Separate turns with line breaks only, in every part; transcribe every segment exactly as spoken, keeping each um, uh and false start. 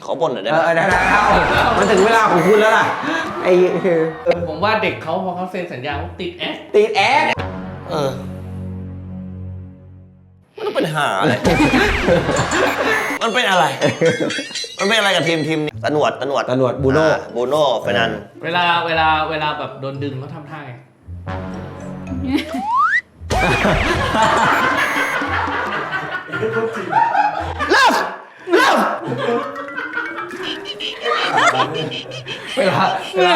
ขอบ่นหน่อยได้ไหม
เออได้แล้วมันถึงเวลาของคุณแล้วล่ะไอ้
ผมว่าเด็กเขาพอเขาเซ็นสัญญาเขาติดแอค
ติดแอค
เออมันต้องเป็นหาอะไร มันเป็นอะไร มันเป็นอะไรกับทีมทีมนี้ตะหนวดตะหนวด
ตำรวจบูโน่
บูโน่เฟนัน
เวลาเวลาเวลาแบบโดนดึงเขาทำท่าไง
เริ่มเริ่ม
เวลาเวลา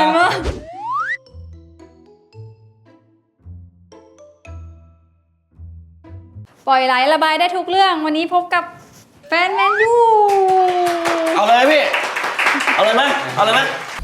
ปล่อยไหลระบายได้ทุกเรื่องวันนี้พบกับแฟนแมนยู
เอาเลยพี่ เอาเลยไหมเอาเลยไหม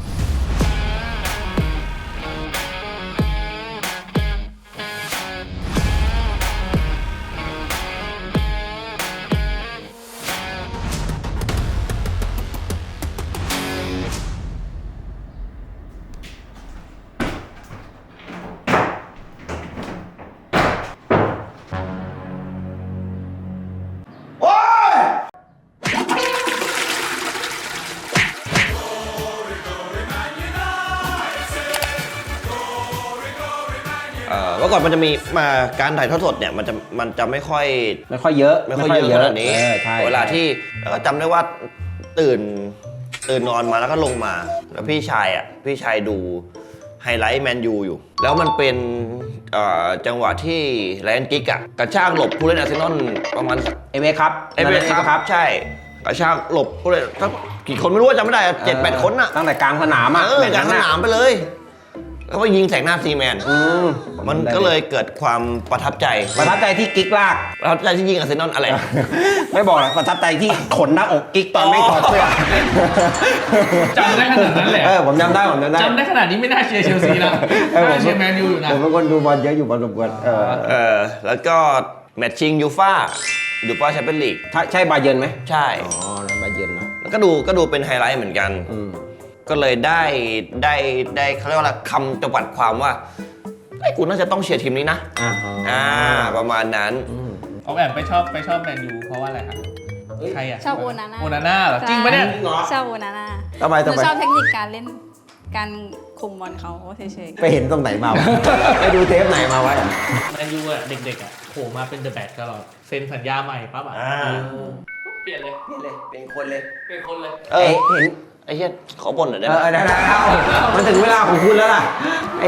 เมื่อก่อนมันจะมีมาการถ่ายทอดสดเนี่ยมันจะมันจะไม่ค่อย
ไม่ค่อยเยอะ
ไม่ค่อยเยอะขนาดนี้
เออใช่
เวลาที่แล้วก็จำได้ว่าตื่นตื่นนอนมาแล้วก็ลงมา แล้วพี่ชายอ่ะพี่ชายดูไฮไลท์แมนยูอยู่ แล้วมันเป็นเอ่อจังหวะที่แลนกิกอ่ะกระชากหลบผู้เล่นอาร์เซนอลประมาณ
เอเวครับ
เอเวอเรสต์ครับใช่กระชากหลบผู้เล่นทั้งกี่คนไม่รู้ว่าจำไม่ได้เจ็ดแปดคนอ่ะ
ตั้งแต่กลางสนามอ่ะ
เออกลางสนามไปเลยแล้วก็ยิงแสงหน้าซีแมน
อืม
มันก็เลยเกิดความประทับใจ
ประทับใจที่กิ๊กลาก
ประทับใจที่ยิงอาร์เซนอลอะไร
ไม่บอกหรอกประทับใจที่ขนหน้าอกกิ๊กตอนไม่ถอดเสื้อ
จำได้ขนาดนั้นแหละ
เออผมจำได้ผมจำได้
จำได้ขนาดนี้ไม่น่าเชียร์เชลซีนะ
เออผม
น่าเชียร์แมนยูอยู่นะ
ผมเป็นคนดูบอลเยอะอยู่บอลรบกวนเออ
เออแล้วก็แมตช์ชิงยูฟ่ายูฟ่าแชมเปี้ยนลีก
ถ้าใช่บาเยิร์นไหม
ใช่
อ๋อนั่นบาเยิร์นนะ
แล้วก็ดูก็ดูเป็นไฮไลท์เหมือนกัน
อืม
ก็เลยได้ได้ได้เขาเรียกว่าอะไรคำจำกัดความว่าไอ้ยกูน่าจะต้องเชียร์ทีมนี้นะ
อ่า
อ่าประมาณนั้น
เอาแอบไปชอบไปชอบแมนยูเพราะว่าอะไรครับใครอ่ะ
ชอบโอนาน่า
โอนาน่าเหรอจริงปะเนี่ย
ชอบโอนาน่า
ทำไม
หนู
ทำไม
ชอบเทคนิคการเล่นการคุมบอลเขาเฉย
ไปเห็นตรงไหนมาวะ ไปดูเทปไหนมาวะ
แมนยูอ่ะเด็กๆอ่ะโผล่มาเป็นเดอะแบกตลอดเซ็นสัญญาใหม่ปั๊บอ่ะ
อ่า
เออเปลี่ยนเลย
นี่เลยเป็นคนเลย
เป็นคนเลย
เออ
เห็น
ไอ้เหี้ยขอบ่นหน่อยได้
เอ
ไหม
อได้แล้วมันถึงเวลาของคุณแล้วล่ะไอ้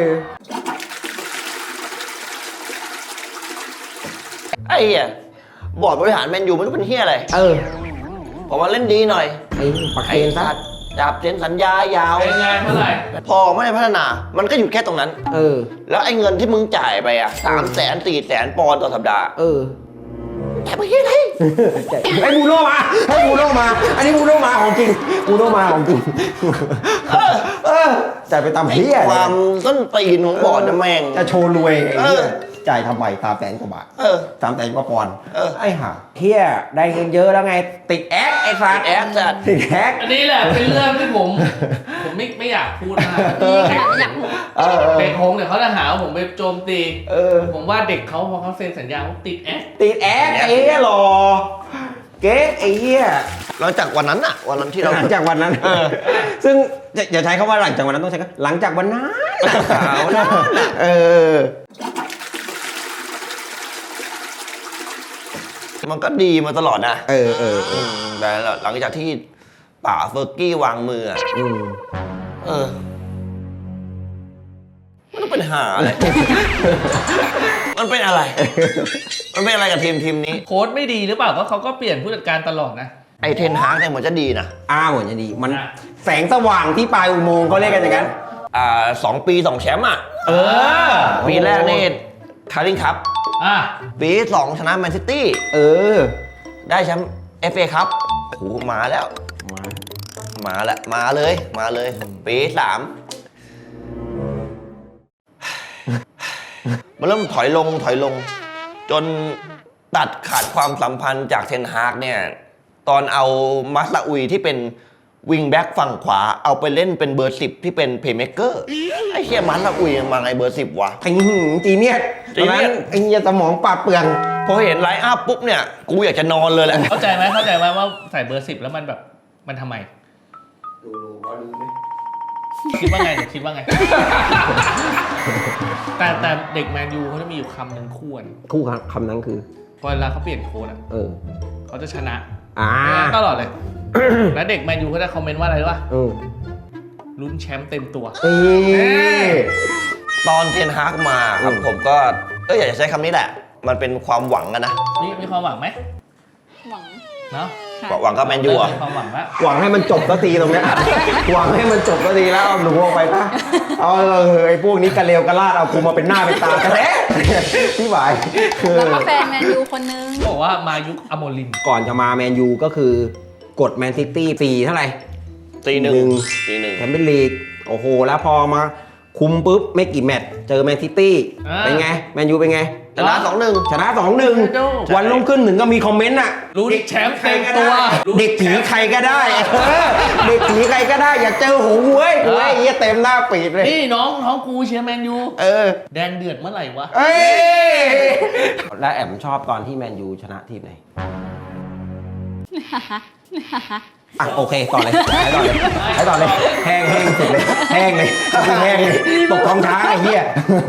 ไอ้เหี้ยบอร์ดบริหารแมนยูไม่รู้เป็นเหี้ยอะไร
เออ
ผมว่าเล่นดีหน่อย
ไอ้ปัก
ไอ้
เคนซะ
สัตว์จับเซ็นสัญญายาว
เป็นไงเมื่อไหร่
พอไม่ได้พัฒนา มันก็หยุดแค่ตรงนั้น
เออ
แล้วไอ้เงินที่มึงจ่ายไปอ่ะสามแสนสี่แสนปอนด์ต่อสัปดาห์
เออ
จ่ายไปเหี้ยอะไร
ไอ้บูโน่มาให้บูโน่มา อันนี้บูโน่มาของจริงบูโน่มาของจริงเออจ่ายไปตาม
ไอ้
เพี้ย
ความต้นตีนของบอร์ดนะแม่ง
จะโชว์รวยไอ้
เอ
เหี้
อ
ยจ่ายทำไมสามแสนกว่าบาท
เออ
สามแสนกว่าปอนด์
เออ
ไอ้ห่าเฮียได้เงินเยอะแล้วไง ติดแอคไอ้สัส
ติดแอคจัด
ติดแอค
อันนี้แหละเป็นเรื่องที่ผม ผมไม่ไม่อยากพูดมาก
ๆนี่ขนาดอยากหู
เออเออ
เป็นผมเดี๋ยวเขาจะหาว่าผมไปโจมตี
เออ
ผมว่าเด็กเขาพอเขาเซ็นสัญญาเขาติดแอค
ติดแอคไอ้เหี้ยหล่อเก๊กไอ้เหี้ย
หลังจากวันนั้นอะวันนั้นที่เรา
หลังจากวันนั้น
เออ
ซึ่งอย่าอย่าใช้คำว่าหลังจากวันนั้นต้องใช้คำหลังจากวันนั้นเออ
มันก็ดีมาตลอดนะ
เออเออเอ
อื
อ
มแต่หลังจากที่ป่าเฟอร์กี้วางมืออะ
อืม
เออมันต้องเป็นหาอะไร มันเป็นอะไร มันเป็นอะไรกับทีมทีมนี้
โค้ชไม่ดีหรือเปล่าก็เขาก็เปลี่ยนผู้จัดการตลอดนะ
ไอเทนฮากเนี่ยเหมือนจะดีนะ
อ้าวเหมือนจะดี มัน
อ่ะ
แสงสว่างที่ปลายอุโมงค์เขาเรียกกันอย่างนั้น
อ่าสองปีสองแชมป์อ่ะ
เออ
ปีแรกนี่คาริงคัพ
อ่ะ
ปีที่สองชนะแมนซิตี้
เออ
ได้แชมป์เอฟเอคัพโหมาแล้ว
มา
มาแล้วมาเลย มาเลย ปีที่สามมันเริ่มถอยลงถอยลง จนตัดขาดความสัมพันธ์จากเทนฮากเนี่ย ตอนเอามัสลาอุยที่เป็นวิงแบ็กฝั่งขวาเอาไปเล่นเป็นเบอร์สิบที่เป็นเพย์เม k เกอร์ไอ้เชี่ยมัสลาอุยมาไงเบอร์สิบวะ
ไอ้หืมจีเนียส
จีเนียส
ตอนนั้นไอ้เหี้ยสมองปราดเปลือง
พอเห็นไลน์อัพปุ๊บเนี่ย กูอยากจะนอนเลยแหละ
เข้าใจไหมเข้าใจไหมว่าใส่เบอร์สิบแล้วมันแบบมันทำไม
ดูดูรอดูไหม
คิดว่าไงเดี๋ยวคิดว่าไง แต่แต่เด็กแมนยูเขาจะมีอยู่คำหนึ่งคู่กัน
คู่คำนั้นคือ
พอเวลาเขาเปลี่ยนโค้ชอ่ะ
เออ
เขาจะชนะ
อ่า
ตลอดเลย แล้วเด็กแมนยูเขาจะคอมเมนต์ว่าอะไรรู้ป่ะ
เออ
ลุ้นแชมป์เต็มตัว
เอ้ย
ตอนเทนฮากมาครับ
อืม
ผมก็เอออยากจะใช้คำนี้แหละ มันเป็นความหวังอะนะ
นี่มีความหวังไหม
หวัง
เนาะ
ค่ะ
หวังกับแมนยูอะ
มีความหวังแล้ว
หวังให้มันจบสักทีตรงเนี้ย หวังให้มันจบสักทีแล้วเอาหนูออกไปปะเอาเออไอ้พวกนี้กระเลวกระลาดเอากูมาเป็นหน้าเป็นตากระแทะพี่หวายคือ
แล้วก็แฟนแมนยูคนนึง
เขาบอกว่ามายุคอโมลิม
ก่อนจะมาแมนยูก็คือกดแมนซิตี้ปีเท่าไหร่
ตีห
หนึ่
นึ่ง
ง
ตีหนึ่ง
แชมเปี้ยนลีกโอ้โห แล้วพอมาคุมปุ๊บ ไม่กี่แมตช์เจอแมนซิตี้เป็นไง แมนยูเป็นไง
ชนะสองหนึ่ง
ชนะสองหนึ่งวันรุ่งขึ้นหนึ่งก็มีคอมเมนต์อ่ะ
ลุ้นแชมป์เต็มตัว
เด็กผีใครก็ได้เออเด็กผีใครก็ได้ อยากเจอหงเว้ยเว้ยเหี้ยเต็มหน้าปีดเลย
นี่น้องน้องกูเชียร์แมนยู
เออ
แดงเดือดเมื่อไหร่วะ
เอ้ยแล้วแอมชอบตอนที่แมนยูชนะทีมไหน อ่ะโอเคต่อเลยให้ต่อเลยให้ต่อเลยแห้งแห้งสุดเลยแห้งเลยคือแห้งเลยตกท้องช้างไอ้เหี้ย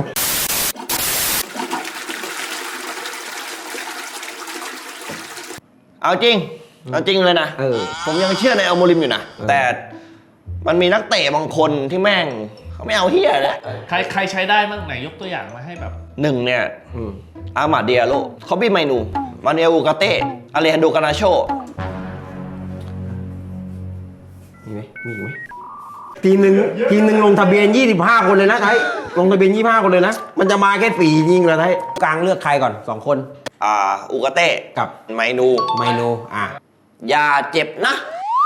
เอาจริง เอาจริงเลยนะ
เออ
ผมยังเชื่อในอัลโมริมอยู่นะ
เออ
แต่มันมีนักเตะบางคนที่แม่งเขาไม่เอาเฮียเลย
ใครใครใช้ได้บ้างไหนยกตัวอย่างมาให้แบบ
หนึ่งเนี่ย
อืม
อามาเดียโลคอบี้ไมนู มาเนลอูกาเต้อาเลฮันโดกานาโช
มีไหมมีอีกไหมทีมหนึ่งทีมหนึ่งลงทะเบียนยี่สิบห้าคนเลยนะไทยลงทะเบียนยี่สิบห้าคนเลยนะ มันจะมาแค่สี่จริงเหรอไทยกลางเลือกใครก่อนสองคน
อ่าอูกาเต้
กับ
ไมนู
ไมโนอ่ะ
อย่าเจ็บนะ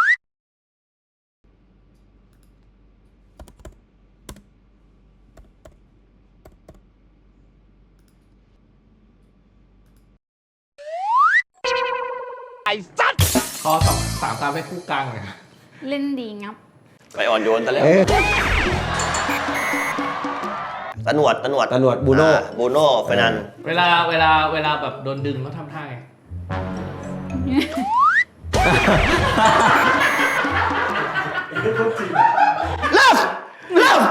ขอสองสามตามให้คู่กลางเลย
เล่นดีงับ
ไปอ่อนโยนซะแล้ว
เอ้ย
ตะหนวดตะหนวด
ตะหนวดบูโน่
อ่าบูโน่เฟรนัน
เวลาเวลาเวลาแบบโดนดึงเขาทำท่าไง
เลิฟเลิฟ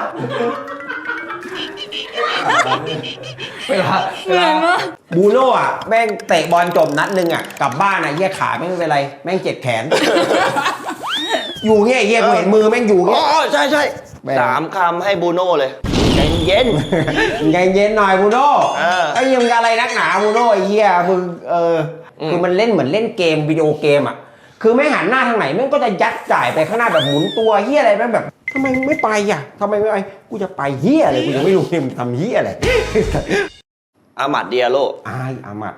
เวลา
เหมือนว่า
บูโน่อ่ะแม่งเตะบอลจบนัดหนึ่งอ่ะกลับบ้านอ่ะเหี้ยขาแม่งไม่เป็นไรแม่งเจ็บแขน อยู่เงี้ยเหี้ยกูเห็นมือแม่งอยู่
อ๋
เงี้ย
อใช่ใช่
แม่ง
สามคำให้บูโน่เลยใจเย็น
ใจเย็นหน่อยบูโน่
เออ
ไอ้ยังอะไรนักหนาบูโน่ไอ้เหี้ยมึงเอออ
ม
คือมันเล่นเหมือนเล่นเกมวิดีโอเกมอ่ะคือไม่หันหน้าทางไหนแม่งก็จะยัดจ่ายไปข้างหน้าแบบหมุนตัวเหี้ยอะไรแม่งแบบทำไมไม่ไปอ่ะทำไมไม่ไปกูจะไปเหี้ยอะไรกูยังไม่รู้เนี่ยมึงทำเหี้ยอะไร
อามาดเดียโล
อายอามัด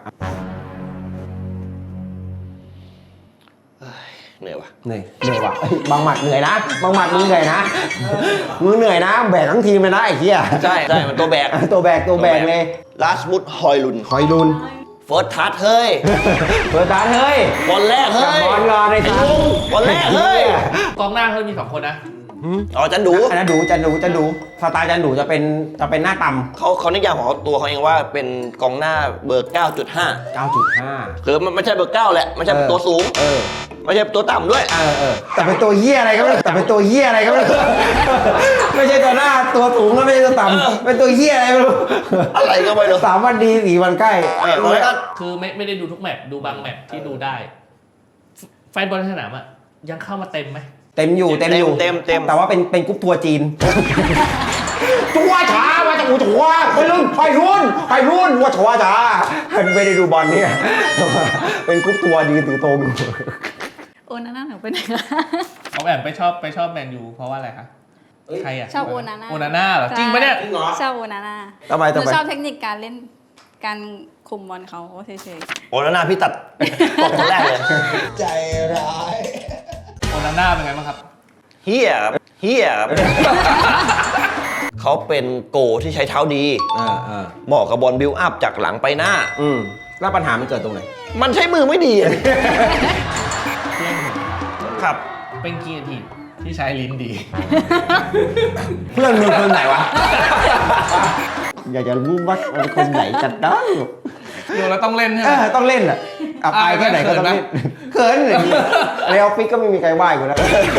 เหนื่อยว่ะ
เหนื่อยเหนื่อยว่ะเอ้ยบางหมัดเหนื่อยนะบางหมัดมึงเหนื่อยนะมึงเหนื่อยนะแบกทั้งทีมเลยนะไอ้เหี้ย
ใช่ใช่มันตัวแบก
ตัวแบกตัวแบกเลย
ลาสมุดฮอยลุน
คอยลุน
เฟิร์สทัชเฮ้ย
เปิดตาเฮ้ย
บอลแรกเฮ้ย
บอลก่อนไอ้
ไอ้
สัส
ลุงบอลแรกเฮ้ย
กองหน้าเขามีสองคนนะ
อ๋อจันดู
อันนั้นดูจันดูจันดูสไตล์จันดูจะเป็นจะเป็นหน้าต่ำ
เขาเขานิยามของเขาตัวเขาเองว่าเป็นกองหน้าเบอร์ เก้าจุดห้า
เก้าจุดห้า
คือมันไม่ใช่เบอร์เก้าแหละไม่ใช่
เออ
ตัวสูง
เออ
ไม่ใช่ตัวต่ำด้วย
เออเออแต่เป็นตัวเหี้ยอะไรก็ไม่รู้แต่เป็นตัวเหี้ยอะไรก็ไม่รู้ไม่ใช่ตัวหน้าตัวสูงแล้วไม่ใช่ตัวต่ำเป็นตัวเหี้ยอะไรไม่รู้
อะไรก็ไม่รู้
สามวันดีสี่วันใกล้
เออเพราะฉะนั้น
คือไม่ไม่ได้ดูทุกแมตช์ดูบางแมตช์ที่ดูได้ แฟนบอลในสนามอ่ะยังเข้ามาเต็มไหม
เต็มอยู่เต็มอยู่
เต็มเต็ม
แต่ว่าเป็นเป็นกรุ๊ปทัวร์จีน ชัวช้ามาจากอูชัวไปรุ่นไปรุ่นไปรุ่นว่าชัวช้าไม่ได้ดูบอลเนี่ย เป็นกรุ๊ปทัวร์ดีถือตรง
โอนาน่าหนูไปไหนคะ
เขาแอบไปชอบไปชอบแมนยูเพราะว่าอะไรคะใครอ่ะ
ชอบโอนาน่า
โอนาน่าเหรอจริงปะเนี่ย
ชอบโอนาน่า
ทำไม
หนู
ทำไม
ชอบเทคนิคการเล่นการคุมบอลเขาเฉย
โอ้แล้วหน้าพี่ตัดตกคนแรกเลย
ใจร้าย
โอนาน่าเป็นไงบ้างครับ
เฮียครับเฮียครับ เขาเป็นโกที่ใช้เท้าดี
เออเออ
เหมาะกับบอลบิลอัพจากหลังไปหน้า
อืมแล้วปัญหามันเกิดตรงไหน
มันใช้มือไม่ดีอะ
เพื่อนผม
ครับ
เป็นกีนทีมที่ใช้ลิ้นดี
เพื่อนมึงคนไหนวะ อยากจะรู้ว่ามันคนไหนกันได้
ดูแล้วต้องเล่นใช่ไห
เอ
ม
อต้องเล่นอ่ะอับอายแค่ไหนก็ต้องเล่นเขินอย่างนี้ในออฟฟิศก็ไม่มีใครไหว้กูแล้ว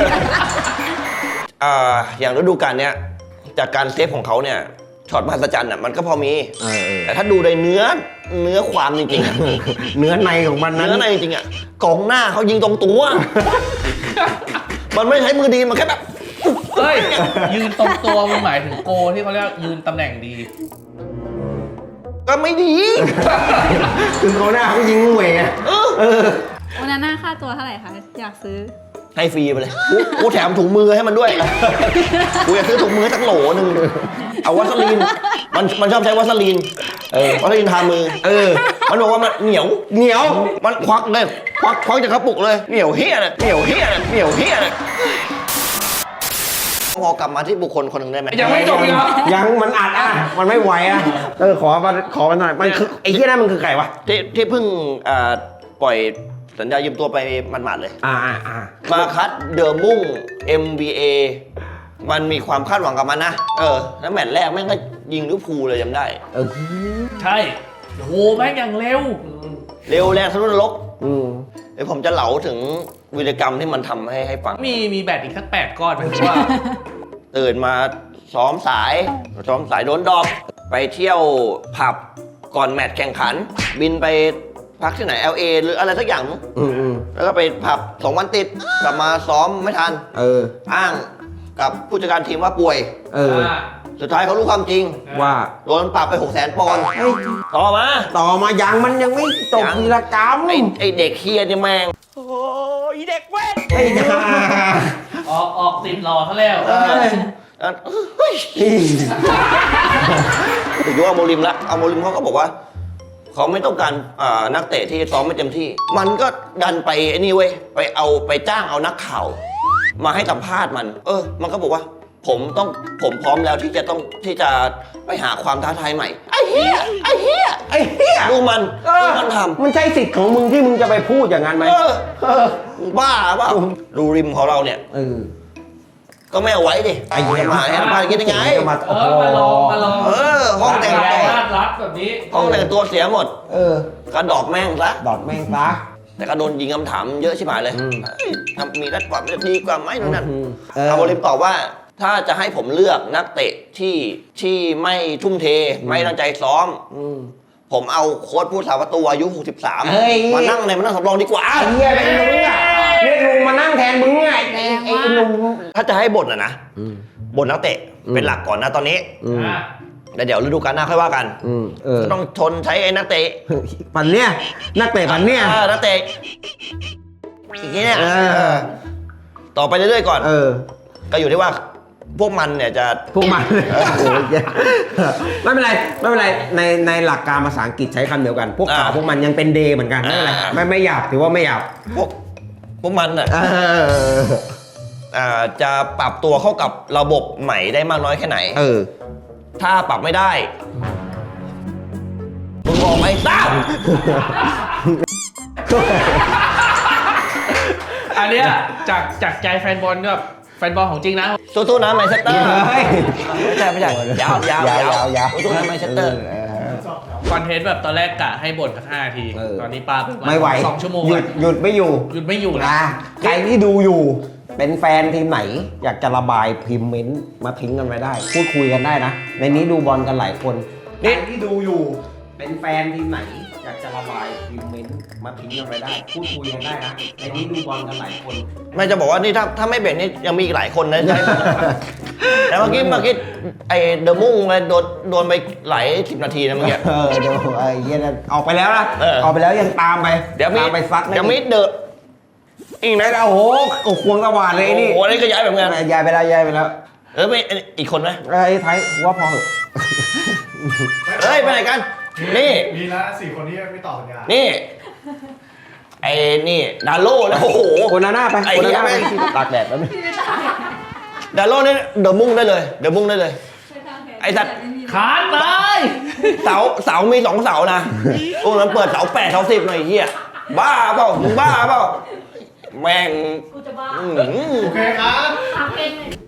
อ่าอย่างฤดูกาลเนี้ยจากการเซฟของเขาเนี่ยช็อตมหัศจรรย์อ่ะมันก็พอมี
เออเออ
แต่ถ้าดูในเนื้อเนื้อความจริงๆอะ
เนื้อในของมันนั้น
เนื้อในจริงๆอ่ะกองหน้าเขายิงตรงตัว มันไม่ใช้มือดีมันแค่แบบ
เฮ้ย ยืนตรงตัวมันหมายถึงโกที่เขาเรียกยืนตำแหน่งดี
ก็ไม่ดี
คือเขาหน้าเขายิงมวยไง
เออ
เออ
วันนั้นหน้าค่าตัวเท่าไหร่คะ อยากซื้อ
ให้ฟรีไปเลยกูกูแถมถุงมือให้มันด้วย กูอยากซื้อถุงมือสักโหลหนึ่งเอาวัสลีนมันมันชอบใช้วัสลีนเออวัสลีนทามือ
เออ
มันบอกว่ามันเหนียว
เหนียว
มันควักเลยควักควักจากกระปุกเลยเหนียวเฮี้ยนะเหนียวเฮี้ยนะเหนียวเฮี้ยนะพอกลับมาที่บุคคลคนหนึ่งได้ไหม
ยังไม่จบอีกเหรอ
ยังมันอัดอ่ะมันไม่ไหวอ่ะเออขอมาขอมาหน่อยมันคือไอ้เหี้ยนั่นมันคือไก่วะ
ที่ที่เพิ่งอ่าปล่อยสัญญายืมตัวไปหมาดๆเลย
อ่าอ่าอ่า
มาคัดเดอร์มุ่ง เอ็ม บี เอ มันมีความคาดหวังกับมันนะ เออ แล้วแมตช์แรกแม่งก็ยิงลิเวอร์พูลเลยจำได้
เออ
ใช่โหแม่งอย่างเร็ว
เร็วแรงทะลุนรก
อืม
เดี๋ยวผมจะเหลาถึงวีรกรรมที่มันทำให้ให้ฟัง
มีมีแบตอีกสักแปดก้อนไหมว่า
ตื่นมาซ้อมสายซ้อมสายโดนดอกไปเที่ยวผับก่อนแมตช์แข่งขัน บินไปพักที่ไหน แอล เอ หรืออะไรสักอย่างมั้ง
อืมอืม
แล้วก็ไปผับสองวันติดกลับมาซ้อมไม่ทัน
เออ
อ้างกับผู้จัดการทีมว่าป่วย
เออ
สุดท้ายเขารู้ความจริง
ว่า
โดนปรับไปหกแสนปอนด์ต่อมา
ต่อมายังมันยังไม่จบ
ยัง
วีรกรรม
ไอไอเด็กเฮียเนี่ยแม่งโอ้ยเด็กเว้น
ไอ้ห่า
ออกออกติดรอเขาแล้ว
เออเออเฮ้ยถึงยุคเอาโมริมละเอาโมริมเขาก็บอกว่า เขาไม่ต้องการอ่านักเตะที่ซ้อมไม่เต็มที่ มันก็ดันไปไอ้นี่เว้ยไปเอาไปจ้างเอานักข่าว มาให้สัมภาษณ์มัน เออ มันก็บอกว่า ผมต้องผมพร้อมแล้วที่จะต้องที่จะไปหาความท้าทายใหม่ไอ้เหี้ยไอ้เหี้ย
ไอ้เหี้ย
ดูมัน
เออ
ดูมันทำ
มันใช่สิทธิ์ของมึงที่มึงจะไปพูดอย่างนั้นไหม
เออ
เออ
บ้าเปล่าดูริมของเราเนี่ย
เออ
ก็ไม่เอาไว้ดิ
ไอ้เหี้ย
มาให้สัมภาษณ์คิดยังไง
มา
เออมาลองมาลอง
เออ ห้องแต่งตัว
รัดรัดแบบนี้
ห้องแต่งตัวเสียหมด
เออ
กระดอกแม่งซะ
ดอดแม่งซะ
แต่ก็โดนยิงคำถามเยอะชิบหายเลย
อืม
เอ้ยทำมีรัดกว่าไม่ดีกว่าไหมนู่นนั่น
อืมเออ
เอาโมริมตอบว่า ถ้าจะให้ผมเลือกนักเตะที่ที่ไม่ทุ่มเท ไม่ตั้งใจซ้อม
อืม
ผมเอาโค้ชผู้สาประตูอายุหกสิบสาม
เฮ้ย
มานั่งในมานั่งสำรองดีกว่า
ไอ้เหี้ยเป็นลุงอ่ะเรียกลุงมานั่งแทนมึงไงไอ้ไอ้ลุง
ถ้าจะให้บ่นอะนะ
อืม
บ่นนักเตะ
อืม
เป็นหลักก่อนนะตอนนี้
อืม
อ่ะ
แล้วเดี๋ยวฤดูกาลหน้าค่อยว่ากัน
อืมเออ
ก็ต้องชนใช้ไอ้นักเตะ
ปันเนี่ยนักเตะปันเนี่ย
ออนักเตะอย่างเงี้ย
เออ
เออต่อไปเรื่อยๆก่อน
เออ
ก็อยู่ที่ว่าพวกมันเนี่ยจะ
พวกมันโอ้ยแย่ไม่เป็นไรไม่เป็นไรในในหลักการภาษาอังกฤษใช้คำเดียวกัน พวกเขาพวกมันยังเป็นเดย์เหมือนกันไม่เป็นไรไม่ไม่หยาบถือว่าไม่หยาบ
พวกพวกมันอ่ะ
เออ
อ่าจะปรับตัวเข้ากับระบบใหม่ได้มากน้อยแค่ไหน
เออ
ถ้าปรับไม่ได้มึงบอกไหมตาม
อันเนี้ยจากจากใจแฟนบอลกับแฟนบอลของจริงนะ
สู้ๆนะแมนเชสเตอร์
เฮ้ย
ไม่ใช่ไม่ใช่ยาวยาวย
าวยาว ยาว
สู้ๆนะแมนเชสเตอร์
เออ
คอนเทนต์แบบตอนแรกกะให้บ่นสักห้านาที
เออ
ตอนนี้ปาป
ไม่ไหว
สองชั่วโมง
หยุดหยุดไม่อยู่
หยุดไม่อยู่นะ
นะใครที่ดูอยู่ เป็นแฟนทีมไหน อยากจะระบายพิมพ์เมนต์มาทิ้งกันไว้ได้ พูดคุยกันได้นะ ในนี้ดูบอลกันหลายคนนี่ที่ดูอยู่ เป็นแฟนทีมไหน อยากจะระบายพิมพ์เมนต์มาทิ้งกันไว้ได้ พูดคุยกันได้นะ ในนี้ดูบอลกันหลายคน
ไม่จะบอกว่านี่ถ้าถ้าไม่เบรกนี่ยังมีอีกหลายคนนะใช่ไหม แต่เมื่อกี้เมื่อกี้ไอเดอะมุ่งอะไรโดนโดนไปหลายสิบนาทีนะเมื่อกี้
เออเดี๋ยวไอ้เหี้ยนั่นออกไปแล้วนะ
เออ
ออกไปแล้วยังตามไป
เดี๋ยวมี
ตามไปซัดนะ
เดี๋ยวมีเดอะอีก
ไหน
นะ
โอ้โหโอ้ควงตะวานเลยไอ้นี่
โอ้โหนี่ก็ย้ายแบบงาน
ย้ายไปแล้วย้ายไปแล้ว
เออไม่อีกคนไหม
ไอ้ไทยว่าพอเหอะ
เฮ้ยไปไหนกัน นี่
มีแล้วสี่คนที่ไม่ต่อสัญญา
นี่ ไอ้นี่ดาโล่แล้วโอ้โห
โอนาน่าไป
ไอ้
โอ
เหี้
นาย น่าไป
แม่ง
ตากแดดแล้วนี่
ดาโล่นี่เดอะมุ่งได้เลยเดอะมุ่งได้เลย ไอ้สัตว์
ขาดตาย
เสาเสามีสองเสานะโอ้มันเปิดเสาแปดเสาสิบหน่อยไอ้เฮียบ้าเปล่ามึงบ้าเปล่าแม่ง
กูจะบ้า
อื้อหือ
โอเคครับ
ทำเองเลย